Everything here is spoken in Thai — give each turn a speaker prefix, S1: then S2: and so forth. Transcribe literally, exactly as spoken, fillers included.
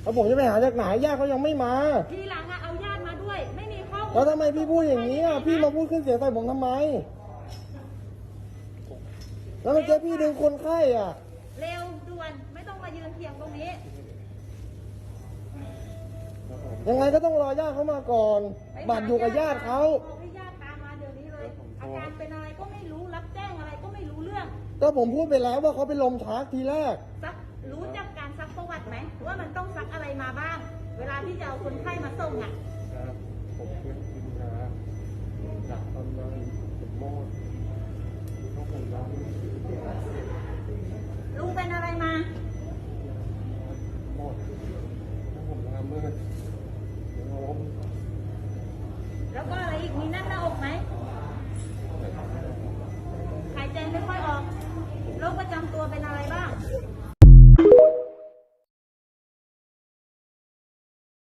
S1: แล้วผมจะไปหาจากไหนญาติเขายังไม่มา
S2: ทีหลังอะเอาญาติมาด้วยไม่มีข้อมูล
S1: แล้วทำไมพี่พูดอย่างนี้อ่ะพี่มาพูดขึ้นเสียงใส่ผมทำไมแล้วเมื่อกี้พี่ดึงคนไข้อ่ะ
S2: เร็วด่วนไม่ต้องมายืนเถียงตรงนี้
S1: ยังไงก็ต้องรอญาติเขามาก่อนบัตรอยู่กับญาติเขา
S2: บอกให้ญาติตามมาเดี๋ยวนี้เลยอาการเป็นอะไรก็ไม่รู้รับแจ้งอะไรก็ไม่รู้เรื่อง
S1: ก็ผมพูดไปแล้วว่าเขาเป็นลมชักทีแรก
S2: ซักรู้จักการซักประวัติไหมว่ามันต้องซักอะไรมาบ้าง เวลาที่จะเอาคนไข้มาส่งอ่ะ
S3: ผมเพื่อนกินยาจากตอนนั้นผมมอดต้องผมร้อง
S2: ลุงเป็นอะไรมาม
S3: อดต้องผมร้องเมื่อล้ม
S2: แล้วก็อะไรอีกมีนั่นน